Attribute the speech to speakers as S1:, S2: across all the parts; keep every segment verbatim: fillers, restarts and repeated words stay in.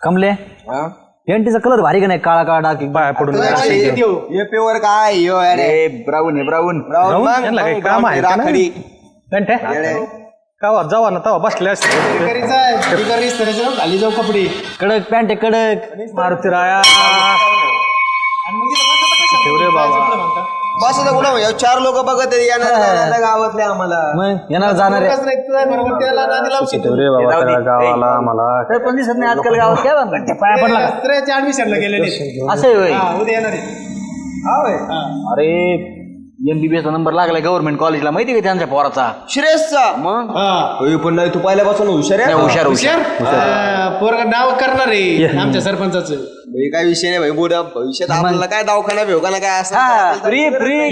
S1: कमले पेंटीचा कलर भारी का नाही काळा काळा डाक बाय पडून
S2: पेवर काय यो अरे ब्राऊन आहे ब्राऊन
S3: ब्राऊन काम आहे राखडी का जावा ना तवा बसले असते
S4: खाली जाऊ कपडे
S1: कडक पॅन्ट आहे कडक
S3: मारुती राया बाबा
S2: बस कुठं चार लोक बघत येणार गावातले आम्हाला
S1: मग येणार जाणार
S3: गावाला आम्हाला
S1: पण दिसत नाही आजकाल गावात काय म्हणतात पाया पडला
S4: ऍडमिशनला गेलेले
S1: असं होय
S4: उद्या येणार
S1: अरे एमबीबीएस नंबर लागलाय गव्हर्नमेंट कॉलेजला माहिती का त्यांच्या पोराचा
S2: श्रेयसचा
S1: मग
S2: पण नाही तू पहिल्यापासून हुशार आहे
S1: हुशार
S4: हुशार पोरग नाव करणार आहे आमच्या सरपंचाचं
S2: भाई काय विषय नाही भाई बोला भविष्यात आपल्याला काय दवाखाना भेवखाना काय असं
S1: फ्री फ्री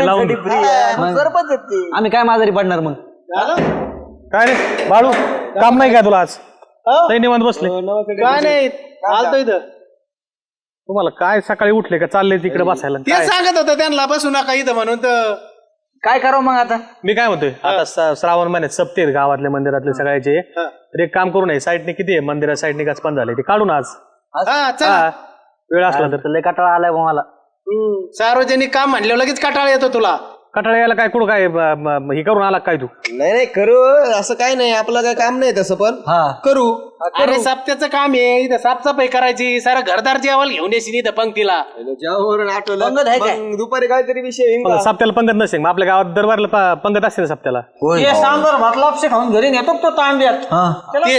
S1: सरपंच आम्ही काय माजारी पडणार मग
S3: काय रे बाळू काम नाही काय तुला आज लय निवांत बसले
S4: काय नाही आलतो इथं
S3: तुम्हाला काय सकाळी उठले का चालले तिकडे बसायला
S4: ते सांगत होतं त्यांना बसू नका इथं म्हणून तर
S1: काय करावं मग आता
S3: मी काय म्हणतोय आता स- श्रावण महिन्यात सप्ते आहेत गावातले मंदिरातले सगळ्याचे तर एक काम करू नये साईडने किती आहे मंदिरात साईडने काच पण झाले ते काढून आज
S4: हा चला
S3: हा. वेळ असला तर
S1: लय कटाळा आलाय बुवा मला
S4: सार्वजनिक काम म्हणल्यावर लगेच कटाळा येतो तुला
S3: कटाळा यायला काय कुठं काय ब- ब- हे करून आला काय तू
S2: नाही नाही करू असं काय नाही आपलं काय काम नाही तसं पण करू
S4: अरे साप्त्याचं काम आहे इथं साफसफाई करायची सारा घरदार जेवायला घेऊन येशील इथं पंक्तीला
S2: जेवण आठवलं
S1: पंगत आहे काय?
S2: मग दुपारी काहीतरी विषय येईन का?
S3: पण सप्त्याला पंगत नसेल मग आपल्या गावात दरबारला प- पंगत असते ना सप्त्याला
S1: सांबर भात लापशे खाऊन घरी नेतो तो तांब्यात
S4: तेच.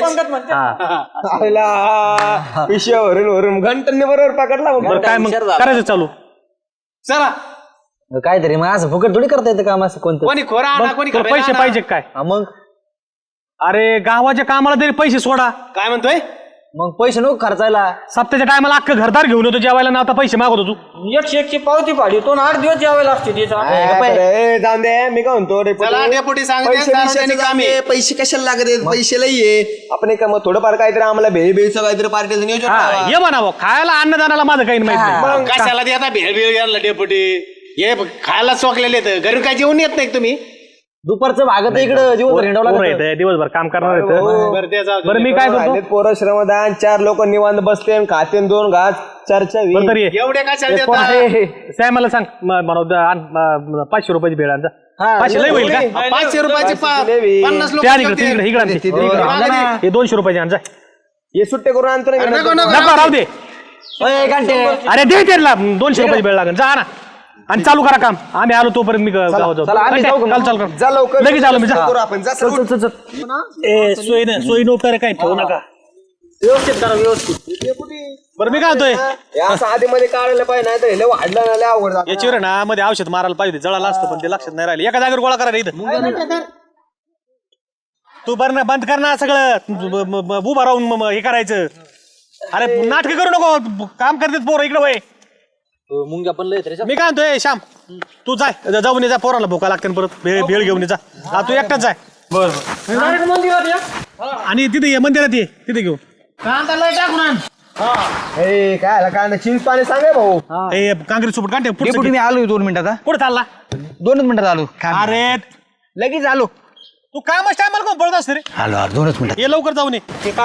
S2: आईला विषय वरून वरून घंटने बरोबर पकडला मग.
S3: बरं काय मग करायचं चालू
S4: चला
S1: काहीतरी मग असं फुकट थोडी करता येतं काम असं कोणतं
S4: कोणी खोरा आणा कोणी
S3: तुला
S4: खबेला
S3: पैसे
S4: आणा.
S3: पाहिजे काय
S1: हा, मग
S3: अरे गावाच्या कामाला तरी पैसे सोडा
S4: काय म्हणतोय
S1: मग पैसे नको खर्चायला
S3: सप्त्याच्या टायमाला अख्खं घरदार घेऊन येतो जेवायला ना आता पैसे मागवतो तू
S1: एकशे एकशे पावती पाडी तो आठ दिवस जेवायला असते
S2: काय बरं, ए, जाऊन दे मी काय म्हणतो रे
S4: चला डेपुटी सांगते
S2: पैसे
S4: सार्वजनिक
S2: बिशाचं
S4: काम आहे.
S2: जाऊ दे, पैसे कशाला लागत आहेत पैसे लई आहे आपण एक मग थोडंफार काहीतरी आम्हाला भेळ भेळचं काहीतरी पार्टीचं नियोजन
S3: हा
S2: लावा.
S3: ये म्हणावं खायला अन्नदानाला माझं काही माहित नाही
S4: मग कशाला ते आता भेळ भेळ घ्यायला डेपुटी हे खायला चोकलेले तर घरी काय जेवण येत नाही का तुम्ही
S1: दुपारचं भागत इकडं दिवस हिंडावं
S3: पोरं
S1: लागतं.
S3: येतं, दिवसभर काम करणार येतं.
S4: बरं ते जाऊ दे.
S3: बरं मी काय करतो
S2: राहिलेत पोरं श्रमदान चार लोक निवांत बसते खाते दोन घास चर्चा होईल.
S3: बरं तरी ये.
S4: एवढे कशाला
S3: ते पोरं-
S4: देता?
S3: हे, हे, साहेब मला सांग म- म्हणू द- आण, म- पाचशे रुपयाची भेळ आणजा पाचशे लय होईल का
S4: पाचशे रुपयाचे पा-
S2: लेवी.
S4: पन्नास लोक
S3: ते आणि इकडे इकडे इकडे आण ते.
S2: तिकडे
S3: इकडे.
S4: आणा ना.
S3: हे दोनशे रुपयाचे आणजा
S2: हे सुट्टे करून आणतो ना मी
S4: नको,
S2: नंतर.
S4: नको.
S3: नको राहू दे
S1: ओय, घंटे.
S3: अरे दे त्याला दोनशे रुपयाची भेळ लागेल जा ना आणि चालू करा काम आम्ही आलो तोपर्यंत मी गावात जाऊ
S1: चला, आम्ही जाऊ का?
S3: चाल चाल कर
S2: जा लवकर
S3: लगेच आलो मी जा
S2: करू आपण जा
S1: चल चल चल चल
S3: ए सोय ना सोय नोकर काय ठेवू नका
S1: व्यवस्थित करा व्यवस्थित
S3: बरं मी काय होतोय
S2: हे असं आधी मध्ये काढायला पाहिजे नाही तर हे लय वाढलं ना लय अवघड जातं.
S3: याच्यावर ना मध्ये औषध मारायला पाहिजे जळाला असतं पण ते लक्षात नाही राहिलं एका जागेवर गोळा करा इथं तू बरं बंद कर ना सगळं ब- ब- ब- उभा राहून म- म- हे करायचं अरे नाटक करू नको काम करतेत पोरं इकडे वय
S1: मुंग्या पण लय तरी
S3: मी काय म्हणतोय श्याम तू जाय ज- जाऊन ये जा पोराला भोका लागते परत भेळ भेळ घेऊन ये जा हा तू एकटाच जाय आणि तिथे ये मंदिरात ये तिथे घेऊ
S4: कांदा लय टाकून आण.
S2: ए, काय आला काय नाही चिंच पाणी सांगे भाऊ
S3: ए काँग्रेस सोबत काढते
S1: डेपुटी मी आलो दोन मिनिटात
S3: पुढे चालला
S1: दोनच मिनिटात आलो
S3: अरे
S1: लगेच आलो
S3: तू कामच टायमाला कोण पळत असते रे
S1: आलो आलो दोनच मिनिटात
S3: ये लवकर जाऊन ये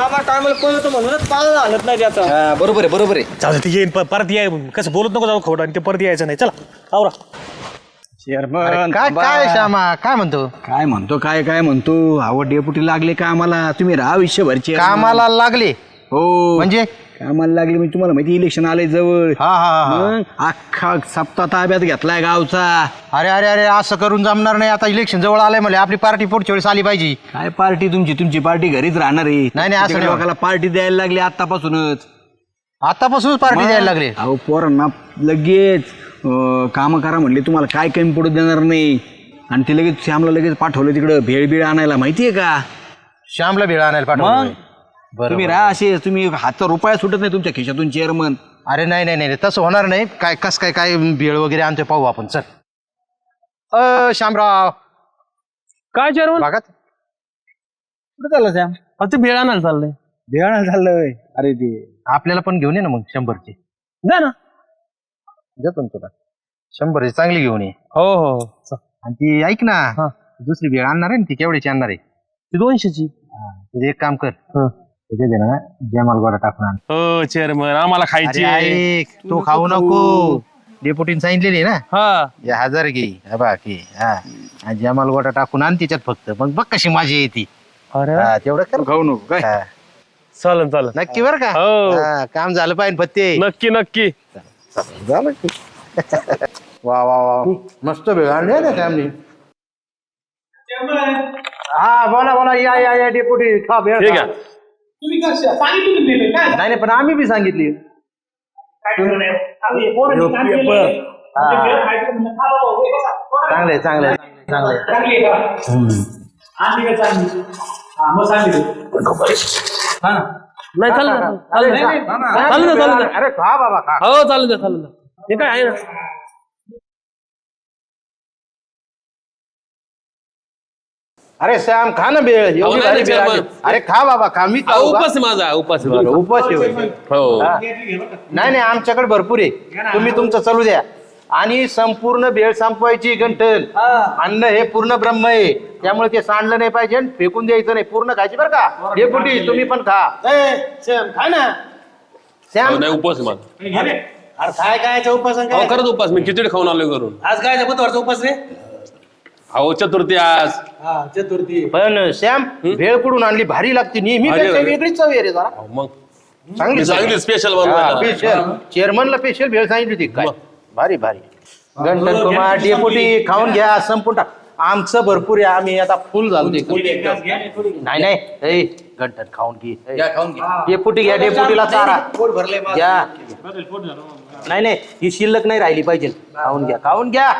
S1: हा, बरोबर आहे बरोबर आहे
S3: जाऊ दे ते येईन प- परत ये कसं बोलत नको जाऊ खोटं आणि ते परत यायचं नाही चला आवरा
S5: काय काय श्यामा काय म्हणतो
S6: काय म्हणतो काय काय म्हणतो आवड डेपुटी लागले का आम्हाला तुम्ही राहा विश्वभरचे
S5: कामाला लागले
S6: हो
S5: म्हणजे
S6: कामाला लागले म्हणजे तुम्हाला माहिती इलेक्शन आले जवळ
S5: हा हा हा
S6: मग अख्खा सप्ताह ताब्यात घेतलाय गावचा
S5: अरे अरे अरे असं करून जमणार नाही आता इलेक्शन जवळ आलंय म्हणजे आपली पार्टी पुढच्या वेळेस आली पाहिजे
S6: काय पार्टी तुमची तुमची पार्टी घरीच राहणार आहे
S5: नाही, नाही, असं नाही.
S6: लोकांना पार्टी द्यायला लागली आतापासूनच
S5: आतापासूनच पार्टी द्यायला लागले
S6: अहो पोरांना लगेच काम करा म्हणले तुम्हाला काय कमी पडू देणार नाही आणि ते लगेच श्यामला लगेच पाठवलं तिकडं भेळ बीळ आणायला माहितीये का
S5: श्यामला भेळ आणायला पाठवलं
S6: तुम्ही राहा असे तुम्ही हातचा रुपया सुटत नाही तुमच्या खिशातून चेअरमन
S5: अरे नाही नाही नाही तसं होणार नाही काय कस काय काय भेळ वगैरे आणतोय पाहू आपण चल अ श्यामराव
S3: काय चेअरमन
S5: भागात
S1: कुठं चाललं सॅम
S3: फक्त भेळ आणायला चाललंय
S6: भेळ झालं अरे ते
S5: आपल्याला पण घेऊन ये ना मग शंभरची
S3: जा ना
S5: देतो ना तुला शंभरची चांगली घेऊन ये
S3: हो हो
S5: आणि ती ऐक ना दुसरी भेळ आणणार आहे ना ती केवढ्याची आणणार आहे
S3: ती दोनशेची
S5: तुझे एक काम कर त्याच्यात आहे ना जमाल गोडा टाकून आण.
S3: हो चेअरमन आम्हाला
S5: अरे
S3: खायची
S5: ऐक, तू खाऊ नको. डेपुटीने सांगितलेली ना
S3: हा
S5: या हजार घे हा बाकी हा आणि जमाल गोडा टाकून आण तिच्यात फक्त मग बघ कशी माझी येते.
S3: अरे
S5: हा, तेवढं कर.
S6: खाऊ नको काय
S5: हा.
S3: चालन चालन
S5: नक्की बरं का
S3: हो.
S5: हा, काम झालं पाहिजे पत्ते.
S3: नक्की नक्की
S5: झालं की. वा वा वा मस्त भेळ आणली ना फॅमिली. हा बोला बोला या या या डेपुटी खा भेळ
S3: ठीक
S5: खा.
S3: आहे
S5: नाही नाही पण आम्ही बी सांगितली. चांगले चांगले चांगले
S3: नाही चालेल ना चालेल ना चालेल ना
S5: अरे खा बाबा खा.
S3: हो चालेल ना चालेल ना हे काय आहे ना
S5: अरे श्याम खा ना भेळ एवढी
S7: नाही,
S5: भारी
S7: नाही,
S5: भेळ
S7: चल
S5: आली.
S7: मग.
S5: अरे खा बाबा खा मी
S7: हा,
S5: खाऊ का?
S7: उपास आहे माझा उपास आहे.
S5: बरं, उपास आहे होय.
S7: हो
S5: हा. नाही नाही आमच्याकडे भरपूर आहे तुम्ही तुमचं चालू द्या. आणि संपूर्ण भेळ संपवायची गंठन. अन्न हे पूर्ण ब्रह्म आहे त्यामुळे ते सांडलं नाही पाहिजे आणि फेकून द्यायचं नाही पूर्ण खायची बरं का. हे कुठे तुम्ही पण खा.
S1: खा ना
S5: श्याम
S7: हो, नाही उपास आहे माझा.
S1: अरे काय काय उपास आणि
S7: अहो
S1: काय
S7: खरंच उपास मी खिचडी खाऊन आलोय घरून.
S1: आज काय बुधवारचा उपास रे
S7: अहो चतुर्थी आज.
S1: हा चतुर्थी
S5: पण श्याम भेळ कुठून आणली भारी लागते नेहमी
S7: भारी
S5: पेक्षा
S7: लागते.
S5: वेगळीच चव आहे रे जरा
S7: अहो, मग
S5: चांगली
S7: मी सांगितली स्पेशल बनवायला.
S5: स्पेशल चेअरमनला स्पेशल भेळ सांगितली होती काय
S7: मग.
S5: भारी भारी. गंठन कुमार डेपुटी खाऊन घ्या संपून टाक. आमचं भरपूर आहे आम्ही आता फुल झालो ते. नाही नाही ए, गंठन खाऊन घे ए. डेपुटी घ्या डेपुटीला चारा घ्या. नाही नाही ही शिल्लक नाही राहिली पाहिजे. खाऊन घ्या खाऊन घ्या.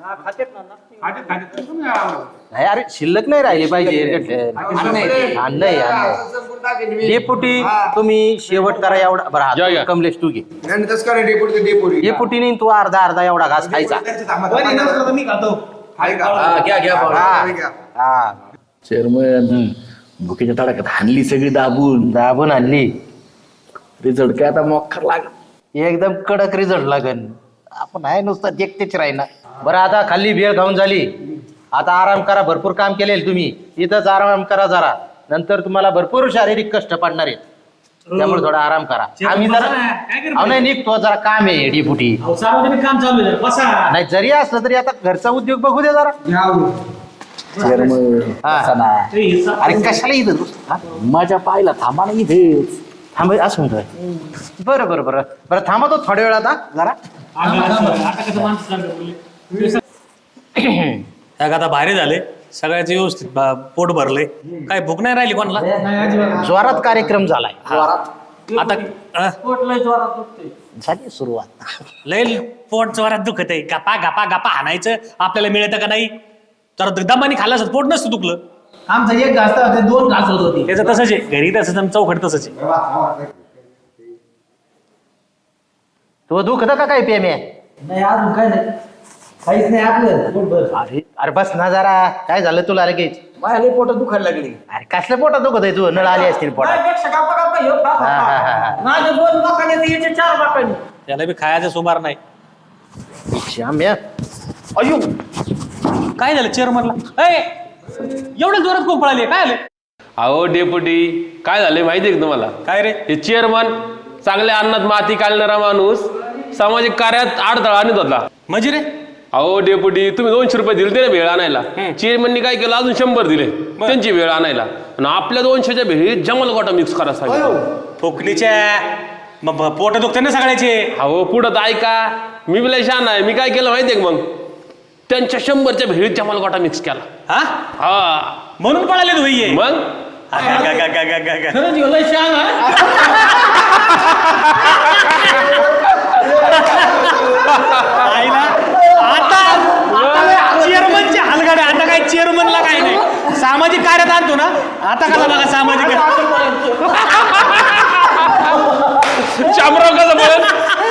S5: नाही अरे शिल्लक नाही राहिली पाहिजे. अन्न आहे अन्न. डेपुटी तुम्ही शेवट करा एवढा
S7: या,
S5: बरं
S7: या.
S5: कमलेश तू घे.
S2: आणि तसं काय डेपुटी डेपुटी
S5: डेपुटीने तू अर्धा अर्धा एवढा घास खायचा.
S1: मी खातो
S2: आहे का
S5: हा. हा.
S8: चेअरमन भुकेच्या तडाख्यात हाणली सगळी दाबून
S5: दाबून आणली
S8: रिझल्ट काय आता मोखर लाग
S5: एकदम कडक रिझल्ट लागन. आपण आहे नुसतं देखतेच राहीना. बरं आता खाल्ली भेळ खाऊन झाली आता आराम करा. भरपूर काम केलेल तुम्ही इथंच आराम करा जरा. नंतर तुम्हाला भरपूर शारीरिक कष्ट पडणार आहेत त्यामुळे थोडा आराम करा. आम्ही जरा अहो, नाही निघतो जरा काम आहे डेपुटी.
S1: सार्वजनिक काम चालू आहे बसा
S5: नाही जरी असलं तरी आता घरचा उद्योग बघू दे जरा.
S8: चेअरमन
S5: हा. अरे कशाला इथं तू? हा?
S8: माझ्या पायला थांबा ना इथेच.
S5: थांब असं म्हणतोय. बरं बरं बरं बरं थांबा तो थोड्या वेळ आता जरा.
S3: आता भारी झाले सगळ्याच व्यवस्थित बा- पोट भरले काय भूक नाही राहिली कोणाला.
S5: जोरात कार्यक्रम झालाय.
S3: आता अं,
S5: झाली सुरुवात.
S3: लय पोट जोरात दुखत आहे. गपा गपा गपा हाणायचं आपल्याला मिळतं का नाही. तर दमानी खाल्लं असत पोट नसतं दुखलं.
S1: आमचा एक घास होते दोन घास होत होते
S3: त्याचं तसंच आहे घरी तसंच आणि चौकट तसंच आहे.
S5: तो दुखत का काय पेम्या.
S1: नाही अजून काय नाही काहीच नाही आपलं पोट भर.
S5: अरे अरे बस ना जरा काय झालं तुला लगेच.
S1: माझ्या लई पोटात दुखायला लागली
S5: अरे कसल्या पोटात दुखत आहे तू नळ आली असतील पोटात.
S1: माझ्यापेक्षा गप्पा गप्पा ह्यो खा, खा,
S5: हा, हा, हा,
S1: खा.
S5: हा.
S1: माझ्या दोन बाकाने तर याचे चार बाकाने
S3: त्याला बी खायचं सुमार नाही.
S5: श्याम्या अयो
S3: काय झालं चेअरमनला ए एवढं जोरात कोण पळाली काय आलं.
S7: अहो डेपुटी काय झालंय माहिती आहे का तुम्हाला.
S3: काय रे
S7: हे चेअरमन चांगल्या अन्नात माती काढणारा माणूस सामाजिक कार्यात अडथळा आणत होता.
S3: म्हणजे रे
S7: अहो डेपुटी तुम्ही दोनशे रुपये दिले ते ना भेळ आणायला. चेअरमननी काय केलं अजून शंभर दिले त्यांची भेळ आणायला आणि आपल्या दोनशेच्या भेळीत जमल गोटा मिक्स करा सांगितलं.
S3: फुकणीच्या मग पोट दुखते ना सगळ्याचे.
S7: अहो पुढं तर ऐका मी बिला शान आहे. मी काय केलं माहितीये का मग त्यांच्या शंभरच्या भेळीत जमाल गोटा मिक्स केला.
S3: हा
S7: हा
S3: म्हणून पळाले तू भैये.
S7: मग
S1: खरंच ह्यो लई शहाणा आहे.
S3: आईला आता चेअरमनचे हलगाडे आता काय चेअरमनला काय नाही सामाजिक कार्यात आणतो ना. आता कसा बघा सामाजिक
S7: शामराव कसं बोल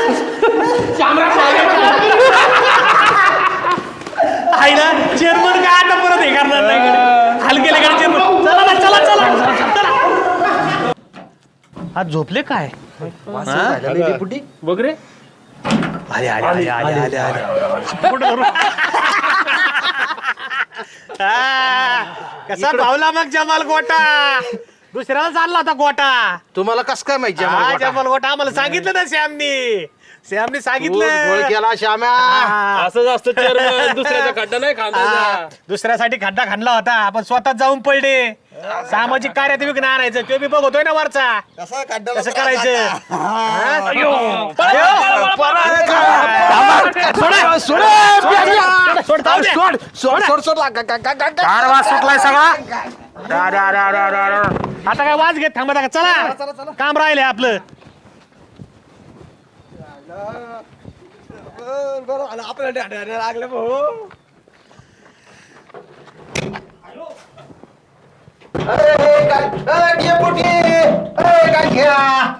S3: आईला चेअरमन काय आता परत हे करणार नाही हलकेले गाडी चेअरमन. चला ना चला चला चला. आज झोपले काय
S5: डेपुटी.
S3: बघ रे. आले आले आले आले आले आले पोट भरून. हा, कसा भावला मग जमाल गोटा. दुसऱ्याला चालला होता गोटा.
S5: तुम्हाला कस काय माहिती
S3: हा,
S5: आम्हाला
S3: जमाल गोटा आम्हाला सांगितलं ना श्यामनी. श्यामनी
S5: गोटा?
S3: सांगितलं.
S5: गोळ केला श्याम्या.
S3: हा.
S7: असं जास्त चेअरमन दुसऱ्याचा खड्डा नाही
S3: हा,
S7: खांदा.
S3: दुसऱ्यासाठी खड्डा खाणला होता आपण स्वतः जाऊन पडले. सामाजिक कार्यात विघ्न आणायचं तो बी बघतोय ना वरचा
S2: कसा खड्डा
S3: कसं करायचं. हा?
S5: अयो.
S3: अयो.
S5: सोड, सोड,
S3: सोड, जाऊ दे.
S2: सोड सोड सोड सोड ला- गा- गा- गा- गा- गा-
S5: कार वास सुटलाय सगळा. रा, रा, रा, रा, रा, रा.
S3: आता काय वाज घेत थांबा का. चला काम राहिले आपलं.
S2: बरं बरं झालं, आपल्याला ढाढायला लागलं भाऊ.
S5: अरे, काय- अरे, डेपुटी. अरे, काय घ्या.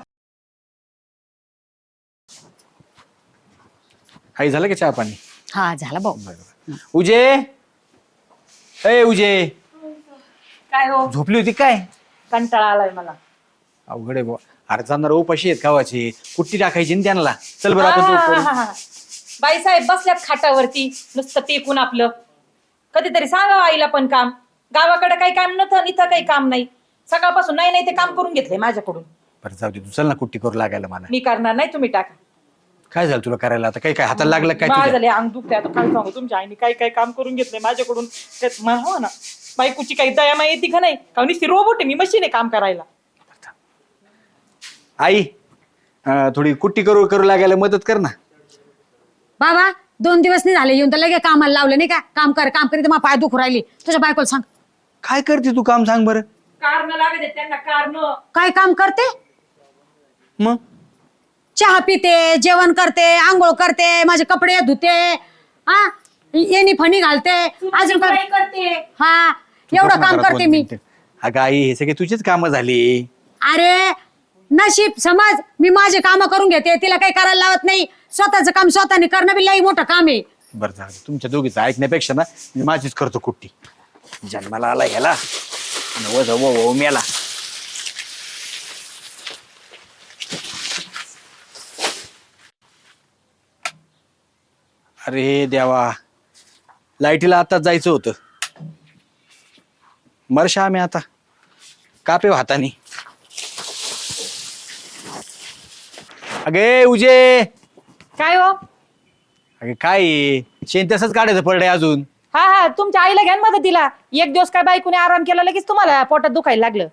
S6: आई झालं का चहा पाणी?
S9: हा झाला भाऊ.
S6: उजे ए उजे
S9: काय हो
S6: झोपली होती काय?
S9: कंटाळा आलाय मला.
S6: अवघड आहे बुवा. अरे जाणार उपाशी आहेत गावाचे, कुट्टी टाकायची ना त्यांना. चल बरं आपण तो करू.
S9: बाई साहेब बसल्यात खाटावरती नुसतं टेकून आपलं. कधीतरी सांगावं आईला पण काम. गावाकडे काही काम नव्हतं, इथं काही काम नाही. सकाळपासून नाही नाही ते काम करून घेतलंय माझ्याकडून.
S6: बरं जाऊ दे तू, चल ना कुट्टी करू लागायला मला.
S9: मी करणार नाही, तुम्ही टाका.
S6: काय झालं तुला करायला आता? काही काय हाताला लागलं काय
S9: माझं
S6: तुझ्या?
S9: झाले अंग दुखते आता. काय सांगू तुमच्या आईने काय काय काम करून घेतलंय माझ्याकडून. त्यात मला हो ना बायकोची काही दयामा येते का नाही. का नुसती रोबोट आहे मी, मशीन आहे काम करायला.
S6: आई अं, थोडी कुट्टी करू करू लागायला मदत कर ना.
S10: बाबा दोन दिवस नाही झाले येऊन तर लगे कामाला लावलं नाही का. काम कर काम करीत मग पाय दुखू राहिली. तुझ्या बायकोला सांग
S6: काय करते तू काम, सांग बरं.
S9: कारण लागत त्यांना कारण.
S10: काय काम करते.
S6: मग
S10: चहा पिते, जेवण करते, आंघोळ करते, माझे कपडे धुते, हा येणी फणी घालते, अजून काय
S9: करते.
S10: हा एवढं काम करते मी.
S6: अगं आई हे सगळे तुझीच कामं झाली.
S10: अरे नशीब समज मी माझे काम करून घेते, तिला काही करायला लावत नाही. स्वतःचं काम स्वतःने करणं बी लई मोठं काम आहे.
S6: बरं झालं, तुमच्या दोघीचं ऐकण्यापेक्षा ना मी माझीच करतो कुट्टी. जन्माला आला ह्याला आणि वज वो वो मेला. अरे देवा, लाईटीला आताच जायचं होतं. मरशा आम्ही आता कापे हातानी. अगे उजे
S9: काय हो.
S6: अगे काय शेण तसंच काढायचं पडलंय अजून.
S9: हा हा तुमच्या आईला घ्या ना मदतीला. एक दिवस काय बायकोने आराम केला लगेच तुम्हाला पोटात दुखायला लागलं.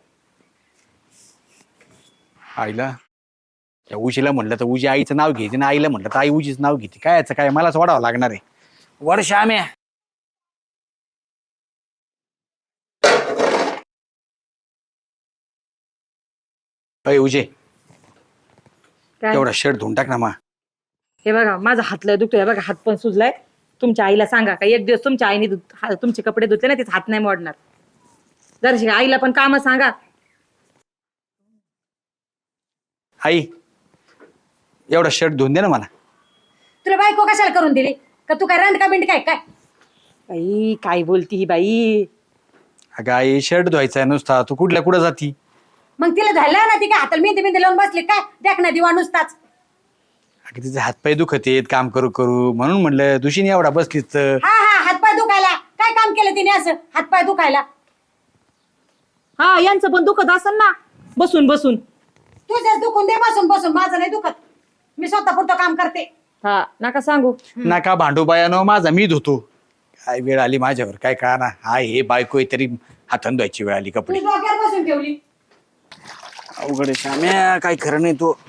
S6: आईला त्या उशीला म्हणलं तर उजी आईचं नाव घेते ना, आईला म्हणलं तर आई उजीच नाव घेते. काय याचं काय मलाच वाढावं लागणार आहे. वर्ष आम्या अय उजे
S9: काय?
S6: एवढा शर्ट धुवून टाक ना मा.
S9: हे बघा माझा हात लय दुखतोय. बघा हात पण सुजलाय. तुमच्या आईला सांगा का एक दिवस तुमच्या आईने धु- हा- तुमचे कपडे धुतले ना तिचा हात नाही मोडणार. जरा आईला पण काम सांगा.
S6: आई एवढा शर्ट धुवून दे ना मला.
S10: तुला बायको कशाला करून दिली का. तू काय रांड का बिंड काय काय.
S9: बाई काय बोलती ही बाई.
S6: अगं आई शर्ट धुवायचा आहे नुसता, तू कुठल्या कुठं जाती.
S10: मग तिला झालं ना ती काय हाताला मेहंदी मेहंदी लावून बसली काय. देख ना दिवा नुसताच.
S6: अगं तिचे हातपाय दुखत आहेत काम करू करू, म्हणून म्हणलं दुशीने एवढा बसलीच तर.
S10: हा हा हातपाय दुखायला काय काम केलं तिने असं हातपाय दुखायला.
S9: हा यांचं पण दुखत असेल ना बसून बसून.
S10: तुझ्याच दुखून दे बसून बसून. माझं नाही दुखत. मी स्वतः पुरतं काम करते.
S9: हा नका सांगू.
S6: नका भांडू बायानो, माझा मी धुतो. काय वेळ आली माझ्यावर काय कळा ना. हाय हे बायको आहे तरी हातान धुवायची वेळ आली
S10: तू
S6: कपडे.
S10: डोक्यावर बसून ठेवली.
S6: अवघड आहे श्याम्या, काय खरं नाही तो.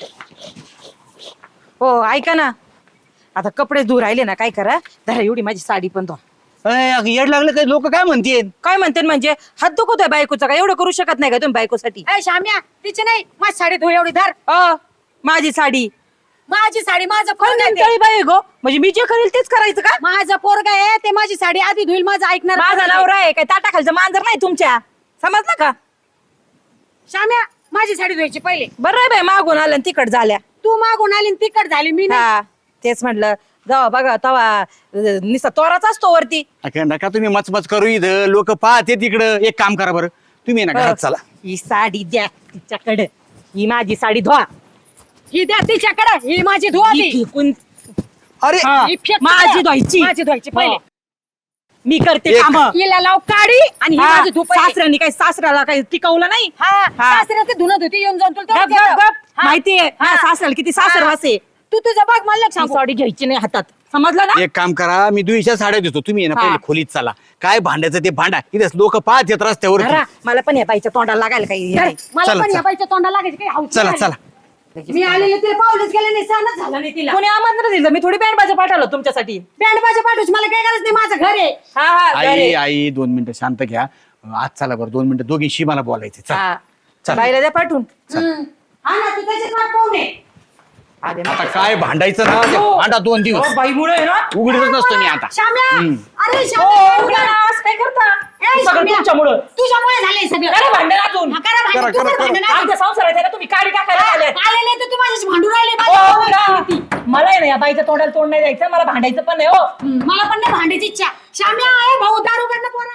S9: हो ऐका ना आता कपडे धुवून राहिले ना काय करा. धरा एवढी माझी साडी पण धुवा.
S6: अय, अगं येड लागलं काय लोक काय म्हणतील.
S9: काय म्हणते म्हणजे हात दुखतोय बायकोचा काय एवढं करू शकत नाही का तुम्ही बायकोसाठी.
S10: ए श्याम्या तिची नाही माझी साडी धुळ एवढी धर.
S9: अ माझी साडी
S10: माझी साडी माझं पोरग आहे ते.
S9: कोणत्याही बाई गो म्हणजे मी जे करेल तेच करायचं का.
S10: माझं पोरग आहे ते. माझी साडी आधी धुईल माझं ऐकणार.
S9: माझा नवरा आहे काय ताटाखालचं मांजर नाही तुमच्या. समजलं का.
S10: श्याम्या माझी साडी धुवायची पहिले.
S9: बरं आहे बाई मागून आलं तिकड झाल्या.
S10: तू मागून आली तिकट झाली मी नाही.
S9: हा तेच म्हटलं जावा बघा तवा निसा तोराच असतो वरती.
S6: अगं नका तुम्ही मचमच करू इथं, लोक पाहते तिकडं. एक काम करा बरं, तुम्ही ना घरात चला.
S9: ही साडी द्या तिच्याकडे. ही माझी साडी धुवा.
S10: ही द्या तिच्याकडे. ही माझी धुवा
S9: ही
S10: ती.
S9: फेकून
S6: अरे
S9: हा,
S10: ही फेक
S9: माझी
S10: तिकडं.
S9: धुवायची.
S10: माझी धुवायची पहिले.
S9: हो. मी करते
S6: एक-
S9: काम
S10: हिला लाव काढी आणि ही माझी धूप आहे.
S9: सासऱ्यानी काही सासऱ्याला काही टिकवलं नाही
S10: हा सासऱ्या ते धुणत होती येऊन जाऊन तुला
S9: गप,
S10: तेवढंच
S9: गप,
S10: येतं.
S9: गप.
S10: हा.
S9: माहितीये
S10: हा.
S9: सासऱ्याला किती सासर वासे
S10: तू तुझं बघ मला लक्ष सांगू.
S9: साडी घ्यायची नाही हातात समजलं ना
S6: एक काम करा मी दुईच्या साड्या देतो तुम्ही आहे ना
S9: हा.
S6: पहिले खोलीत चला काय भांड्याचं ते भांडा इथे लोक पाहत येत रस्त्यावर
S9: जरा, मला पण या बाईच्या तोंडाला लागायला काही हे नाही.
S10: मला
S6: चला,
S10: पण या
S6: चला.
S10: बाईच्या तोंडाला लागायची काही हौस
S6: चला
S10: नाही.
S6: चला
S10: मी आलेले ते पावलेच गेले नाही सहनच झालं नाही तिला
S9: कोणी आमंत्रण दिलं मी थोडी बँड बाजा पाठवलं तुमच्यासाठी
S10: बँड बाजा पाठवूच मला काय गरज नाही माझं घर आहे.
S9: हा हा
S6: आई
S9: घरी.
S6: आई दोन मिनिटं शांत घ्या आज चला बरं दोन मिनिटं दोघींशी मला बोलायचे चला
S9: हा
S6: चल.
S9: बाईला द्या पाठवून
S10: हम्म. हा ना तू त्याच्यात वाट पाहू नये.
S9: आले ना.
S6: आता काय भांडायचं ना ते भांडा दोन दिवस
S9: हो, बाईमुळे आहे ना
S6: उघडतच नसतो मी आता
S10: श्याम्या अरे
S9: हो,
S10: श्याम्या
S9: उघडा ना, असं काय करता
S10: ए,
S9: सगळं
S10: श्याम्या,
S9: तुमच्यामुळं
S10: तुझ्यामुळे झालंय सगळं
S9: करा भांडण अजून
S10: हा, करा भांडण,
S6: करा,
S10: तू
S6: करा,
S10: कर भांडण अजून.
S9: आमच्या संसारात आहे ना तुम्ही काडी टाकायला आले
S10: आलेले तर तू माझ्याशी भांडू राहिले
S9: हो,
S10: माझ्या
S9: उघडा. मला आहे ना या बाईच्या तोंडाला तोंड नाही जायचं मला भांडायचं पण नाही हो
S10: मला पण नाही भांडायची इच्छा श्याम्या आहे भाऊ दारू कडनं पोरा